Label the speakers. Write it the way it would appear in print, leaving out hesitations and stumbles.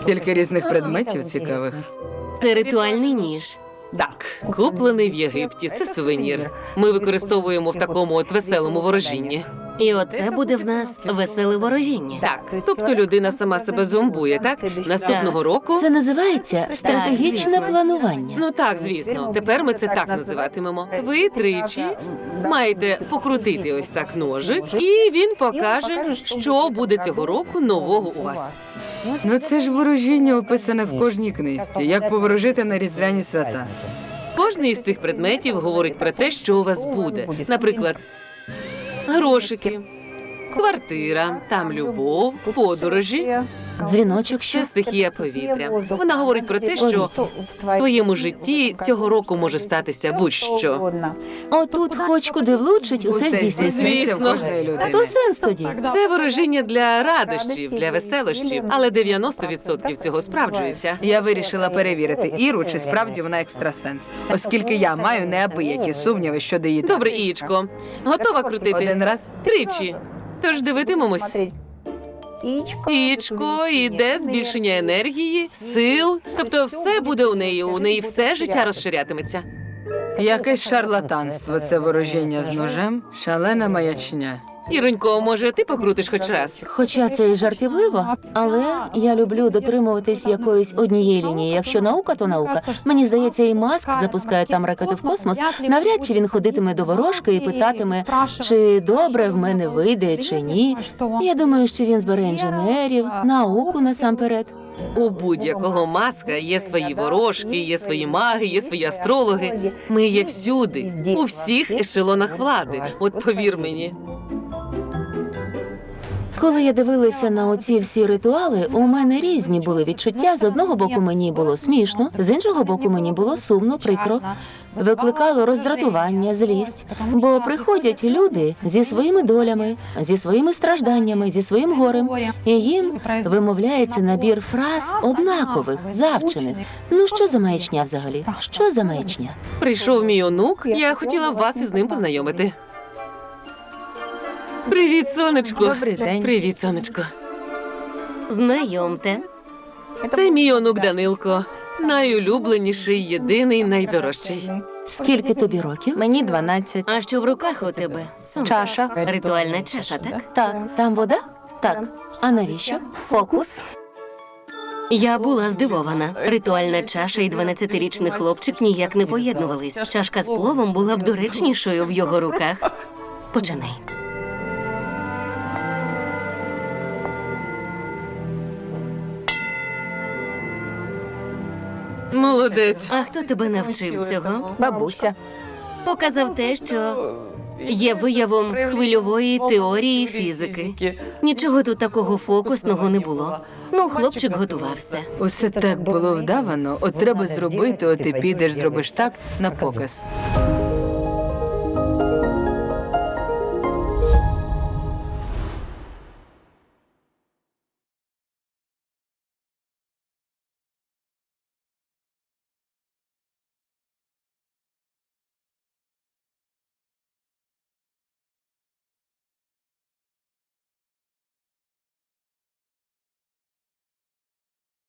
Speaker 1: Тільки різних предметів цікавих.
Speaker 2: Це ритуальний ніж.
Speaker 3: Так, куплений в Єгипті. Це сувенір. Ми використовуємо в такому от веселому ворожінні.
Speaker 2: І оце буде в нас веселе ворожіння.
Speaker 3: Так, тобто людина сама себе зомбує, так? Наступного року...
Speaker 4: Це називається стратегічне
Speaker 2: звісно.
Speaker 4: планування.
Speaker 3: Ну так, звісно. Тепер ми це так називатимемо. Ви тричі маєте покрутити ось так ножик, і він покаже, що буде цього року нового у вас.
Speaker 1: Ну це ж ворожіння описане в кожній книжці, як поворожити на різдвяні свята.
Speaker 3: Кожний із цих предметів говорить про те, що у вас буде. Наприклад, грошики, квартира, там любов, подорожі.
Speaker 4: Дзвіночок, що
Speaker 3: Це стихія повітря. Вона говорить про те, що в твоєму житті цього року може статися будь-що.
Speaker 4: отут хоч куди влучить, усе здійсниться.
Speaker 1: здійсниться в
Speaker 3: Звісно.
Speaker 1: кожної
Speaker 4: То
Speaker 1: людини.
Speaker 4: сенс тоді.
Speaker 3: Це ворожіння для радощів, для веселощів, але 90% цього справджується.
Speaker 1: Я вирішила перевірити Іру, чи справді вона екстрасенс, оскільки я маю неабиякі сумніви щодо її.
Speaker 3: Добре, Ієчко, готова крутити?
Speaker 1: Один раз.
Speaker 3: Тричі. Тож дивитимемось. Ієчко, іде збільшення енергії, сил. Тобто все буде у неї все життя розширятиметься.
Speaker 1: Якесь шарлатанство, це ворожіння з ножем, шалена маячня.
Speaker 3: Іронько, може, ти покрутиш хоч раз?
Speaker 4: Хоча це і жартівливо, але я люблю дотримуватись якоїсь однієї лінії. Якщо наука, то наука. Мені здається, і Маск запускає там ракети в космос. Навряд чи він ходитиме до ворожки і питатиме, чи добре в мене вийде, чи ні. Я думаю, що він збере інженерів, науку насамперед.
Speaker 3: У будь-якого Маска є свої ворожки, є свої маги, є свої астрологи. Ми є всюди, у всіх ешелонах влади. От повір мені.
Speaker 4: Коли я дивилася на оці всі ритуали, у мене різні були відчуття. З одного боку мені було смішно, з іншого боку мені було сумно, прикро. Викликало роздратування, злість. Бо приходять люди зі своїми долями, зі своїми стражданнями, зі своїм горем, і їм вимовляється набір фраз однакових, завчених. Ну що за маячня взагалі? Що за маячня?
Speaker 3: Прийшов мій онук, я хотіла б вас із ним познайомити. Привіт, сонечко.
Speaker 1: Добрий день.
Speaker 3: Привіт, сонечко.
Speaker 2: Знайомте.
Speaker 3: Це мій онук Данилко. Найулюбленіший, єдиний, найдорожчий.
Speaker 4: Скільки тобі років?
Speaker 5: Мені 12.
Speaker 2: А що в руках у тебе? Сонце.
Speaker 5: Чаша.
Speaker 2: Ритуальна чаша, так?
Speaker 5: Так,
Speaker 4: Там вода?
Speaker 5: так.
Speaker 4: А навіщо?
Speaker 5: Фокус.
Speaker 2: Я була здивована. Ритуальна чаша і 12-річний хлопчик ніяк не поєднувались. Чашка з пловом була б доречнішою в його руках. Починай.
Speaker 3: Молодець.
Speaker 2: А хто тебе навчив цього?
Speaker 5: Бабуся.
Speaker 2: Показав те, що є виявом хвильової теорії фізики. Нічого тут такого фокусного не було. Ну, хлопчик готувався.
Speaker 1: Усе так було вдавано, от треба зробити, от ти підеш, зробиш так на показ.